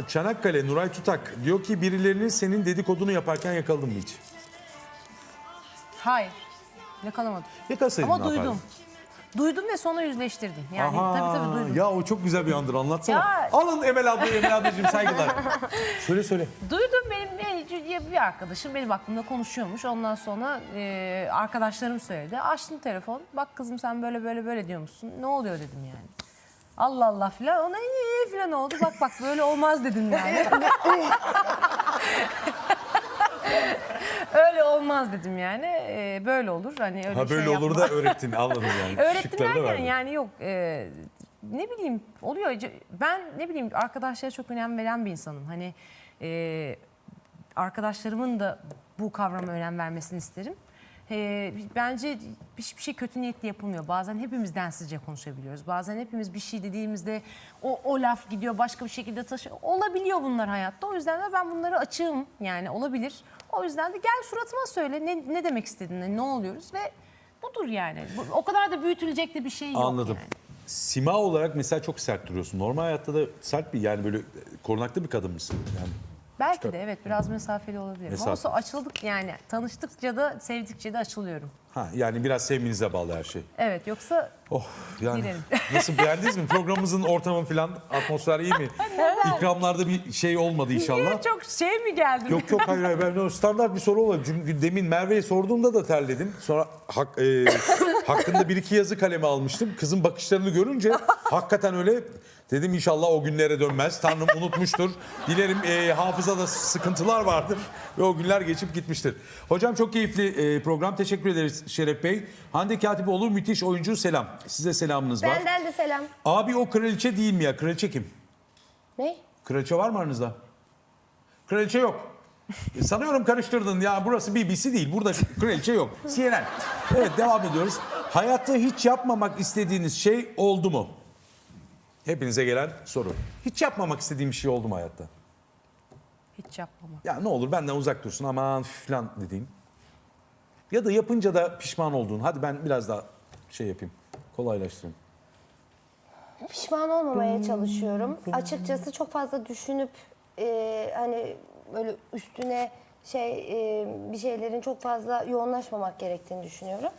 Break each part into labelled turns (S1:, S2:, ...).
S1: Çanakkale Nuray Tutak diyor ki birilerinin senin dedikodunu yaparken yakaladın mı hiç?
S2: Hayır. Yakalamadım.
S1: Yakalasaydın
S2: Ama
S1: ne yapardın?
S2: duydum. Duydum ve sonra yüzleştirdim. Yani
S1: Aha,
S2: tabii duydum.
S1: ya o çok güzel bir andır, anlatsana.
S2: Ya-
S1: Alın Emel abla, Emel ablacığım saygılar. söyle.
S2: Duydum, benim bir arkadaşım benim aklımda konuşuyormuş. Ondan sonra arkadaşlarım söyledi. Açtım telefon. Bak kızım sen böyle diyormuşsun. Ne oluyor dedim yani. Allah Allah filan. Ona iyi filan oldu. Bak böyle olmaz dedim yani. Öyle olmaz dedim yani. Böyle olur. Hani öyle
S1: Ha böyle
S2: şey
S1: olur
S2: yapma.
S1: da öğrettin, anladım yani.
S2: Öğrettim
S1: Şıkları da
S2: derken
S1: verdin.
S2: yani yok. Ne bileyim oluyor. Ben ne bileyim arkadaşlara çok önem veren bir insanım. Hani arkadaşlarımın da bu kavrama önem vermesini isterim. Bence hiçbir şey kötü niyetli yapılmıyor. Bazen hepimiz densizce konuşabiliyoruz. Bazen hepimiz bir şey dediğimizde o laf gidiyor başka bir şekilde taşıyor. Olabiliyor bunlar hayatta. O yüzden de ben bunları açığım. Yani olabilir. O yüzden de gel suratıma söyle ne demek istediğini, ne oluyoruz ve budur yani. O kadar da büyütülecek de bir şey yok.
S1: Anladım.
S2: Yani.
S1: Sima olarak mesela çok sert duruyorsun. Normal hayatta da sert bir, yani böyle korunaklı bir kadın mısın? Yani
S2: Belki de evet biraz mesafeli olabilirim. Ama
S1: Mesafe.
S2: sonra açıldık yani. Tanıştıkça da sevdikçe de açılıyorum.
S1: yani biraz sevmenize bağlı her şey.
S2: Evet yoksa
S1: Oh yani
S2: Girelim.
S1: nasıl, beğendiniz mi? Programımızın ortamı falan, atmosfer iyi mi? İkramlarda bir şey olmadı inşallah.
S2: niye çok şey mi geldim?
S1: Yok hayır ben o standart bir soru oldu. Çünkü demin Merve'ye sorduğumda da terledim. Sonra hakkında bir iki yazı kaleme almıştım. Kızın bakışlarını görünce hakikaten öyle dedim, inşallah o günlere dönmez. Tanrım unutmuştur. Dilerim hafızada sıkıntılar vardır ve o günler geçip gitmiştir. Hocam çok keyifli program. Teşekkür ederiz Şeref Bey. Hande Katipoğlu müthiş oyuncu, selam. Size selamınız var.
S3: Benden de selam.
S1: Abi o kraliçe değil mi ya? Kraliçe kim?
S3: Ne?
S1: Kraliçe var mı aranızda? Kraliçe yok. Sanıyorum karıştırdın ya, burası BBC değil. Burada kraliçe yok. CNN. Evet, devam ediyoruz. Hayatta hiç yapmamak istediğiniz şey oldu mu? Hepinize gelen soru. Hiç yapmamak istediğim bir şey oldu mu hayatta?
S2: Hiç yapmamak.
S1: Ya ne olur benden uzak dursun aman falan dediğin. Ya da yapınca da pişman olduğun. Hadi ben biraz daha şey yapayım. Kolaylaştırayım.
S3: Pişman olmamaya çalışıyorum. Açıkçası çok fazla düşünüp hani böyle üstüne bir şeylerin çok fazla yoğunlaşmamak gerektiğini düşünüyorum.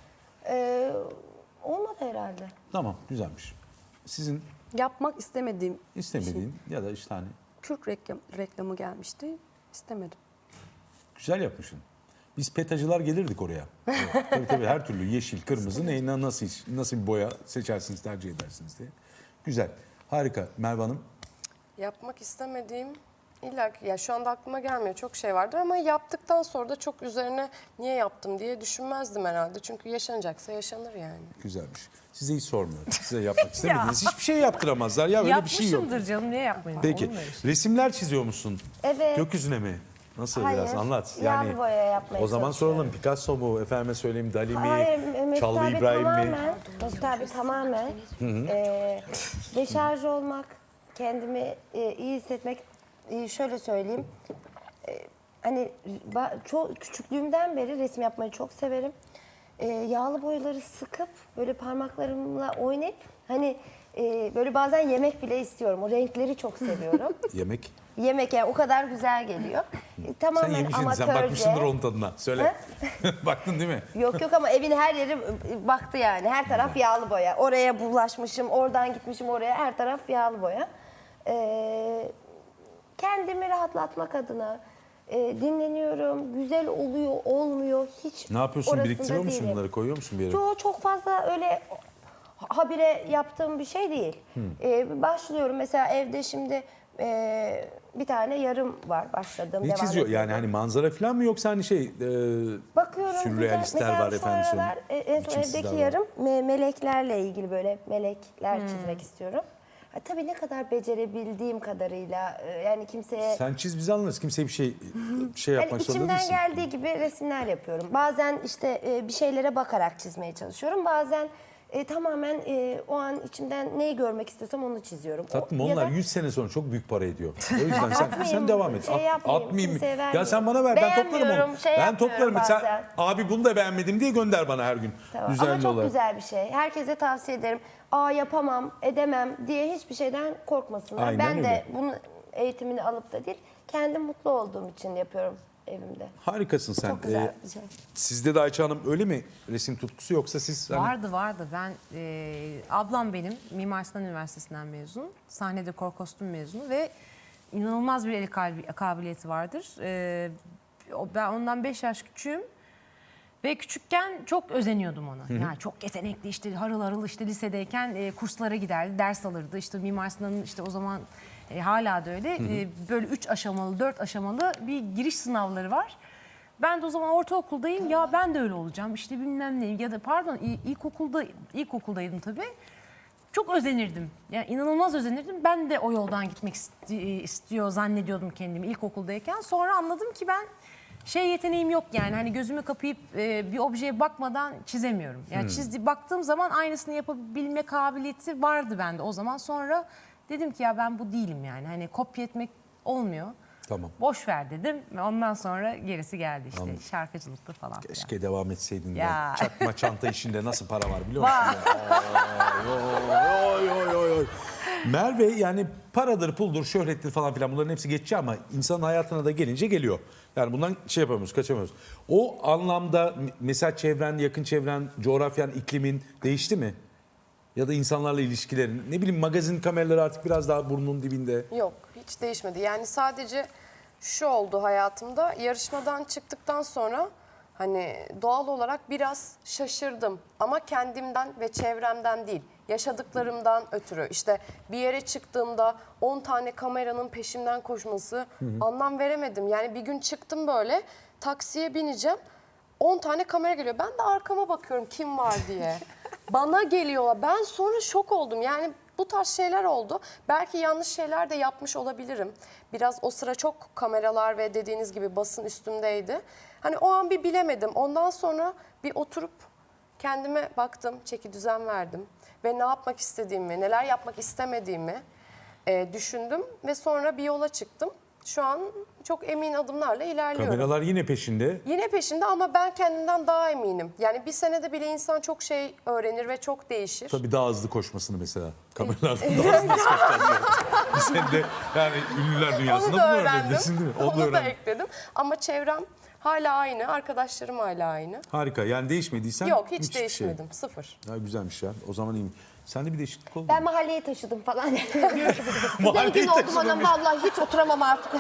S3: Olmadı herhalde.
S1: Tamam, güzelmiş. Sizin
S4: Yapmak istemediğim
S1: istemediğin ya da işte hani
S4: Kürk reklamı gelmişti. İstemedim.
S1: güzel yapmışsın. Biz petacılar gelirdik oraya. Evet, tabii her türlü yeşil, kırmızı neyinden nasıl bir boya seçersiniz, tercih edersiniz diye. Güzel. Harika. Merve Hanım.
S5: Yapmak istemediğim illa ki, ya şu anda aklıma gelmiyor, çok şey vardır ama yaptıktan sonra da çok üzerine niye yaptım diye düşünmezdim herhalde. Çünkü yaşanacaksa yaşanır yani.
S1: Güzelmiş. Size hiç sormuyorum. Size yapmak istemediğiniz hiçbir şey yaptıramazlar. Ya öyle bir şey yok.
S2: Yapmışımdır canım, niye yapmayayım?
S1: Peki.
S2: Olur mu öyle şey?
S1: Resimler çiziyor musun?
S3: Evet.
S1: Gökyüzüne mi? Nasıl,
S3: Hayır.
S1: biraz anlat.
S3: Yağlı boya yapmaya
S1: O zaman
S3: çalışıyorum.
S1: soralım. Picasso mu? Efendime söyleyeyim Dali mi?
S3: Hayır, Mesut
S1: Çallı
S3: abi
S1: İbrahim mi?
S3: tamamen, Mesut abi tamamen deşarj olmak, kendimi iyi hissetmek, şöyle söyleyeyim. Hani çok küçüklüğümden beri resim yapmayı çok severim. Yağlı boyaları sıkıp böyle parmaklarımla oynayıp hani böyle bazen yemek bile istiyorum. O renkleri çok seviyorum.
S1: Yemek.
S3: Yemek yani o kadar güzel geliyor.
S1: Sen
S3: Tamamen
S1: yemişsin,
S3: amatörce.
S1: sen bakmışsındır onun tadına. Söyle. Baktın değil mi?
S3: Yok ama evin her yeri baktı yani. Her taraf yağlı boya. Oraya bulaşmışım, oradan gitmişim oraya. Her taraf yağlı boya. Kendimi rahatlatmak adına dinleniyorum. Güzel oluyor, olmuyor. Hiç
S1: Ne yapıyorsun?
S3: orasında
S1: Biriktiriyor musun
S3: değilim.
S1: bunları? Koyuyor musun bir yere?
S3: Yo, çok fazla öyle habire yaptığım bir şey değil. Başlıyorum mesela evde şimdi bir tane yarım var başladığım.
S1: Ne
S3: devam
S1: çiziyor?
S3: ediyorum.
S1: Yani hani manzara falan mı yoksa hani
S3: Bakıyorum
S1: sürrealistler
S3: mesela
S1: var
S3: şu
S1: efendim
S3: aralar,
S1: söyleyeyim.
S3: en son
S1: Biçimsizler
S3: evdeki
S1: var.
S3: yarım meleklerle ilgili böyle melekler çizmek istiyorum. Tabii ne kadar becerebildiğim kadarıyla yani kimseye
S1: Sen çiz, biz anlarız. Kimseye bir şey
S3: yani
S1: yapmak zorunda
S3: içimden
S1: değilsin.
S3: geldiği gibi resimler yapıyorum. Bazen işte bir şeylere bakarak çizmeye çalışıyorum. Bazen tamamen o an içimden neyi görmek istiyorsam onu çiziyorum.
S1: Tatlım,
S3: Ya
S1: onlar
S3: da
S1: 100 sene sonra çok büyük para ediyor. O yüzden sen
S3: Atmayayım,
S1: devam et.
S3: şey yapmayayım,
S1: Atmayayım.
S3: kimseye
S1: Ya
S3: vermeyeyim.
S1: sen bana ver, ben toplarım onu.
S3: Beğenmiyorum, şey
S1: Ben
S3: yapmıyorum
S1: toplarım. Sen
S3: bazen.
S1: abi bunu da beğenmedim diye gönder bana her gün.
S3: Tamam.
S1: Düzenli
S3: Ama çok
S1: olarak.
S3: güzel bir şey. Herkese tavsiye ederim. Yapamam, edemem diye hiçbir şeyden korkmasınlar.
S1: Aynen
S3: ben
S1: öyle.
S3: de bunu eğitimini alıp da değil, kendim mutlu olduğum için yapıyorum evimde.
S1: Harikasın sen.
S3: Çok güzel bir şey.
S1: Sizde de Ayça Hanım öyle mi resim tutkusu yoksa siz...
S2: Vardı. Ben ablam benim Mimar Sinan Üniversitesi'nden mezun. Sahne dekor kostüm mezunu ve inanılmaz bir el kabiliyeti vardır. Ben ondan 5 yaş küçüğüm. Ve küçükken çok özeniyordum ona. Yani çok yetenekli, işte harıl harıl, işte lisedeyken kurslara giderdi, ders alırdı. İşte Mimar Sinan'ın işte o zaman hala da öyle böyle 3 aşamalı, 4 aşamalı bir giriş sınavları var. Ben de o zaman ortaokuldayım. Ya ben de öyle olacağım. İşte bilmem ne, ya da pardon ilkokuldaydım tabii. Çok özenirdim. Yani inanılmaz özenirdim. Ben de o yoldan gitmek istiyor zannediyordum kendimi ilkokuldayken. Sonra anladım ki ben yeteneğim yok yani. Hani gözümü kapayıp bir objeye bakmadan çizemiyorum. Yani baktığım zaman aynısını yapabilme kabiliyeti vardı bende o zaman. Sonra dedim ki ya ben bu değilim yani. Hani kopya etmek olmuyor.
S1: Tamam.
S2: Boş ver dedim. Ve ondan sonra gerisi geldi işte.
S1: Anladım.
S2: Şarkıcılıkta falan.
S1: Keşke devam etseydin
S2: Ya.
S1: ya. Çakma çanta işinde nasıl para var biliyor musun? Oy. Merve yani paradır, puldur, şöhrettir falan filan bunların hepsi geçici ama insanın hayatına da gelince geliyor. Yani bundan yapamıyoruz, kaçamıyoruz. O anlamda mesela çevren, yakın çevren, coğrafyan, iklimin değişti mi? Ya da insanlarla ilişkilerin, ne bileyim magazin kameraları artık biraz daha burnunun dibinde.
S5: Yok, hiç değişmedi. Yani sadece şu oldu hayatımda. Yarışmadan çıktıktan sonra hani doğal olarak biraz şaşırdım. Ama kendimden ve çevremden değil. Yaşadıklarımdan ötürü. İşte bir yere çıktığımda 10 tane kameranın peşimden koşması anlam veremedim. Yani bir gün çıktım böyle taksiye bineceğim. 10 tane kamera geliyor. Ben de arkama bakıyorum kim var diye. Bana geliyorlar. Ben sonra şok oldum. Yani bu tarz şeyler oldu. Belki yanlış şeyler de yapmış olabilirim. Biraz o sıra çok kameralar ve dediğiniz gibi basın üstümdeydi. Hani o an bir bilemedim. Ondan sonra bir oturup kendime baktım, çeki düzen verdim. Ve ne yapmak istediğimi, neler yapmak istemediğimi düşündüm. Ve sonra bir yola çıktım. Şu an çok emin adımlarla ilerliyorum.
S1: Kameralar yine peşinde.
S5: Yine peşinde ama ben kendimden daha eminim. Yani bir senede bile insan çok şey öğrenir ve çok değişir.
S1: Tabii daha hızlı koşmasını mesela. Kameralardan daha hızlı koşacağız. Sen de yani ünlüler dünyasında
S5: Onu
S1: bunu
S5: da öğrendim.
S1: öğrendin değil mi?
S5: Onu da
S1: öğrendin.
S5: ekledim. Ama çevrem hala aynı, arkadaşlarım hala aynı.
S1: Harika. Yani değişmediysen
S5: Yok hiç
S1: müthiş bir
S5: değişmedim, sıfır.
S1: Şey. Ya güzelmiş ya. O zaman iyiyim. Sende bir değişiklik oldu
S3: Ben
S1: mu?
S3: mahalleye taşıdım falan.
S1: Mahalleye
S3: Zengin oldum
S1: taşıdım
S3: anam
S1: diye.
S3: vallahi hiç oturamam artık.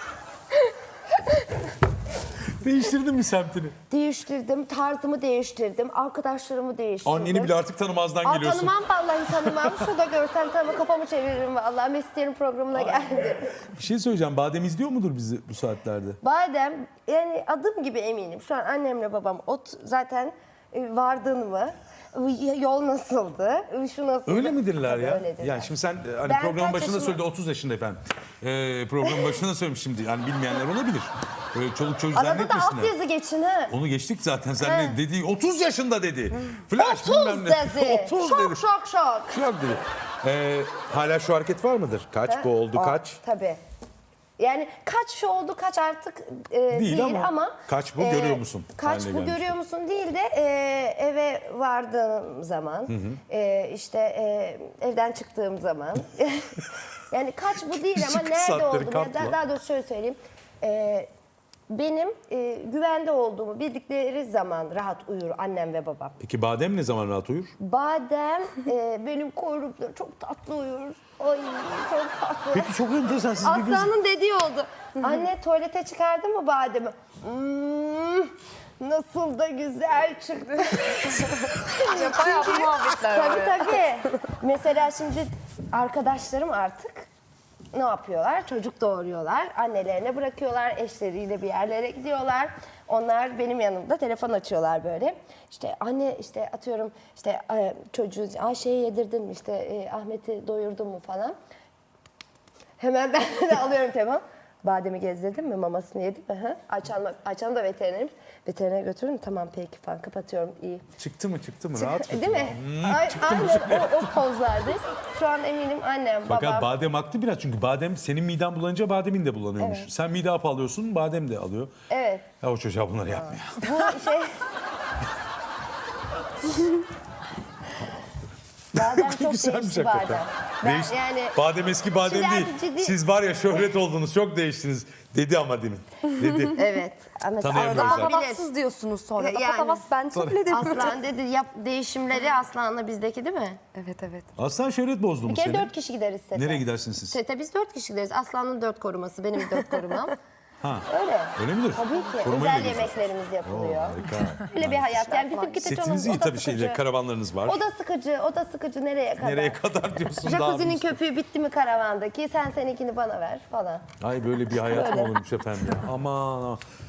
S1: Değiştirdin mi semtini?
S3: Değiştirdim, tarzımı değiştirdim, arkadaşlarımı değiştirdim.
S1: Anneni bile artık tanımazdan geliyorsun.
S3: Tanımam vallahi tanımam. Şurada görsem tanımam, kafamı çeviririm vallahi. Mesut'un programına geldim.
S1: Bir şey söyleyeceğim. Badem izliyor mudur bizi bu saatlerde?
S3: Badem, yani adım gibi eminim. Şu an annemle babam zaten vardın mı? Yol nasıldı? Şu nasıldı?
S1: Öyle midirler
S3: Tabii
S1: ya?
S3: öyledirler.
S1: Yani şimdi sen hani
S3: Ben
S1: programın
S3: kaç
S1: başında
S3: yaşında-
S1: söyledi 30 yaşında efendim. Programın başında söylemiş şimdi. Yani bilmeyenler olabilir. Böyle çoluk çocuk
S3: Arada da
S1: zannetmesinler.
S3: altyazı geçin ha.
S1: Onu geçtik zaten. Sen ne dediği 30 yaşında dedi. Flash
S3: 30
S1: bilmem ne.
S3: dedi.
S1: 30
S3: Şok
S1: dedi.
S3: şok şok.
S1: Şok dedi. Hala şu hareket var mıdır? Kaç bu oldu kaç?
S3: Tabii. Yani kaç şu oldu kaç artık
S1: Değil
S3: değil
S1: ama
S3: ama.
S1: kaç bu görüyor musun
S3: Kaç
S1: haline
S3: bu
S1: gelmiş.
S3: görüyor musun değil de eve vardığım zaman işte evden çıktığım zaman. Yani kaç bu değil ama
S1: Çıkış
S3: nerede
S1: saatleri
S3: oldum?
S1: kartla.
S3: Yani daha doğrusu şöyle söyleyeyim. Benim güvende olduğumu bildikleri zaman rahat uyur annem ve babam.
S1: Peki Badem ne zaman rahat uyur?
S3: Badem benim kuyrukta çok tatlı uyur. Ay çok tatlı.
S1: Peki çok enteresan. Siz birbirinizi...
S3: Aslanın dediği oldu. Anne tuvalete çıkardın mı bademi? Nasıl da güzel çıktı.
S5: Bayağı bu muhabbetler var.
S3: Tabii tabii. Mesela şimdi arkadaşlarım artık ne yapıyorlar? Çocuk doğuruyorlar. Annelerine bırakıyorlar. Eşleriyle bir yerlere gidiyorlar. Onlar benim yanımda telefon açıyorlar böyle. İşte anne işte atıyorum işte çocuğu Ayşe'ye yedirdin mi işte Ahmet'i doyurdun mu falan. Hemen ben de alıyorum telefon. Bademi gezdirdin mi? Mamasını yedi mi? Hı? Ayça'm da veterinerim. Veterinere götürür mü? Tamam peki falan kapatıyorum. İyi.
S1: Çıktı mı rahat mı?
S3: Değil mi? Aynen o pozlardayız. Şu an eminim annem,
S1: Fakat
S3: babam.
S1: Badem haklı biraz çünkü Badem senin miden bulanınca Badem'in de bulanıyormuş.
S3: Evet.
S1: Sen mide hapı alıyorsun Badem de alıyor.
S3: Evet.
S1: Ya o çocuğa bunları yapma ya.
S3: Bu şey... Badem çok
S1: Güzelmiş
S3: değişti
S1: hakikaten.
S3: badem. Ben
S1: Değiş-
S3: yani
S1: Badem eski badem
S3: Şimdi
S1: değil.
S3: artık ciddi-
S1: Siz var ya şöhret oldunuz, çok değiştiniz dedi ama demin. Dedi.
S3: evet. Ama
S1: Tanıyamıyoruz
S3: Aslan
S1: zaten.
S3: bilir.
S4: Patavatsız diyorsunuz sonra.
S3: Yani.
S4: Patavas ben söyledim.
S3: Aslan dedi yap değişimleri Aslan'la bizdeki değil mi?
S4: Evet evet.
S1: Aslan şöhret bozdu mu
S3: Bir kere
S1: seni?
S3: 4 kişi gideriz sete.
S1: Nereye gidersiniz siz?
S3: Sete biz 4 kişi gideriz. Aslan'ın 4 koruması, benim 4 korumam.
S1: Ha.
S3: Öyle.
S1: Öyle midir?
S3: Tabii ki.
S1: Korumayla
S3: Özel
S1: geziyorsunuz.
S3: yemeklerimiz yapılıyor.
S1: Harika.
S3: Öyle bir hayat. Yani bizimki de
S1: Setiniz iyi
S3: o da
S1: tabii şeyle,
S3: sıkıcı.
S1: karavanlarınız var.
S3: O da sıkıcı, o da sıkıcı. Nereye kadar?
S1: Nereye kadar diyorsun daha
S3: Jacuzzi'nin
S1: bir-
S3: köpüğü bitti mi karavandaki? Sen seninkini bana ver falan.
S1: Ay böyle bir hayat mı
S3: Böyle.
S1: olurmuş efendim ya. Aman aman.